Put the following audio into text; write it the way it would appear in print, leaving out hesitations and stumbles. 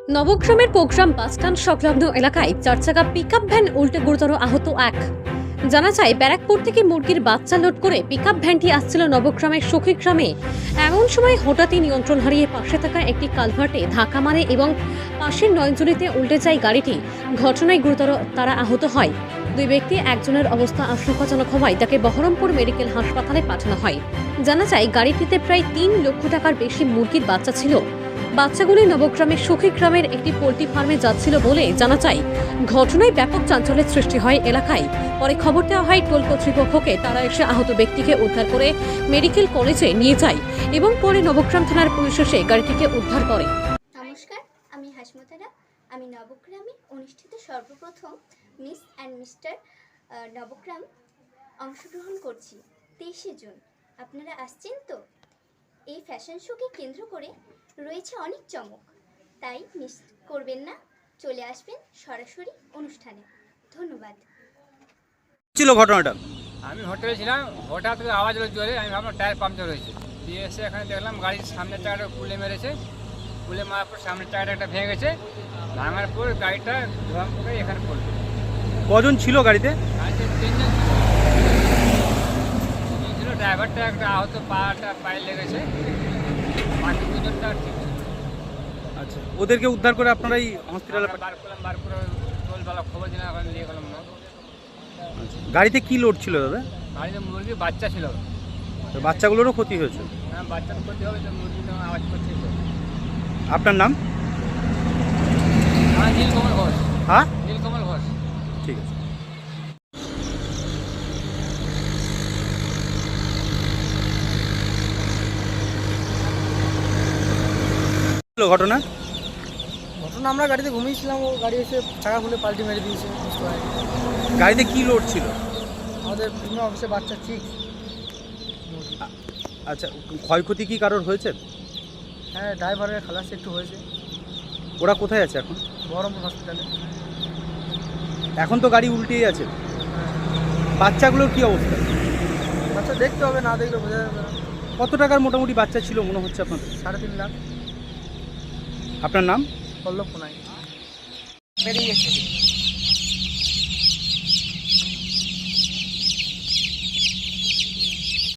নবগ্রামের programme bus stand সংলগ্ন এলাকায় চারচাকা পিকআপ ভ্যান উল্টে গুরুতর আহত এক। জানা যায়, ব্যারাকপুর থেকে মুরগির বাচ্চা লোড করে পিকআপ ভ্যানটি আসছিল নবগ্রামের সখী গ্রামে। এমন সময় হঠাৎই নিয়ন্ত্রণ হারিয়ে পাশে থাকা একটি কালভার্টে ধাক্কা মারে এবং পাশের নয়নজুলিতে উল্টে যায় গাড়িটি। ঘটনায় গুরুতর তারা আহত হয়। দুই ব্যক্তি, একজনের অবস্থা আশঙ্কাজনক হওয়ায় তাকে বহরমপুর মেডিকেল হাসপাতালে পাঠানো হয়। জানা যায়, গাড়িটিতে প্রায় 3 লক্ষ টাকার বেশি মুরগির বাচ্চা ছিল। বাচ্চাগুলি নবগ্রামের সখী গ্রামের একটি পোল্ট্রি ফার্মে যাচ্ছিল বলে জানা যায়। ঘটনায় ব্যাপক চাঞ্চল্যের সৃষ্টি হয় এলাকায়। পরে খবর দেওয়া হয় টোল কর্তৃপক্ষকে। তারা এসে আহত ব্যক্তিকে উদ্ধার করে মেডিকেল কলেজে নিয়ে যায় এবং পরে নবগ্রাম থানার পুলিশ এসে গাড়িটিকে উদ্ধার করে। নমস্কার, আমি হাসমতারা। আমি নবগ্রামে অনুষ্ঠিত সর্বপ্রথম মিস অ্যান্ড মিস্টার নবগ্রাম অংশগ্রহণ করছি 23শে জুন। আপনারা আসছেন তো? এই ফ্যাশন শোকে কেন্দ্র করে রয়েছে অনেক চমক, তাই মিস করবেন না। চলে আসবেন সরাসরি অনুষ্ঠানে। ধন্যবাদ। ছিল ঘটনাটা? আমি হোটেলে ছিলাম, হঠাৎ করে আওয়াজ হলো জোরে। আমি ভাবলাম টায়ার পাংচার হয়েছে। দিয়ে এসে এখানে দেখলাম গাড়ির সামনের টায়ারটা কুলে মেরেছে। কুলে মারার পর সামনের টায়ারটা একটা ভেঙে গেছে। ভাঙার পর গাড়িটা ধোয়াম করে এখানে পড়লো। কজন ছিল গাড়িতে? গাড়িতে 3 জন ছিল। ড্রাইভারটা একটা আহত, পায়ে লেগেছে। বাকি 2 জনটা ঠিক ছিল। আচ্ছা, ওদেরকে উদ্ধার করে আপনারা এই হসপিটালে বার করে টোলবেলা খবর দিলাম, এখন নিয়ে গেলাম না। গাড়িতে কি লোড ছিল দাদা? গাড়িতে মুরগির বাচ্চা ছিল। তো বাচ্চাগুলোরও ক্ষতি হয়েছে? হ্যাঁ, বাচ্চার ক্ষতি হবে তো, মুরগি তো আওয়াজ করছে। আপনার নাম? আমার নীলকমল ঘোষ। হ্যাঁ, নীলকমল ঘোষ। ঠিক আছে। ঘটনা ঘটনা, আমরা গাড়িতে ঘুমিয়েছিলাম, ও গাড়ি এসে চাকা খুলে পাল্টি মেরে দিয়েছে। গাড়িতে কি লোড ছিল? আমাদের বিভিন্ন অফিসে বাচ্চা ঠিক। আচ্ছা, ক্ষয়ক্ষতি কি কারোর হয়েছে? হ্যাঁ, ড্রাইভারের খালাস একটু হয়েছে। ওরা কোথায় আছে এখন? বহরমপুর হসপিটালে। এখন তো গাড়ি উল্টেই আছে। বাচ্চাগুলোর কি অবস্থা? বাচ্চা দেখতে হবে, না দেখলে বোঝা যাবে না। কত টাকার মোটামুটি বাচ্চা ছিল মনে হচ্ছে আপনাদের? 3.5 লাখ। আপনার নাম? পল্লব কোনাই। বেরিয়ে গেছে।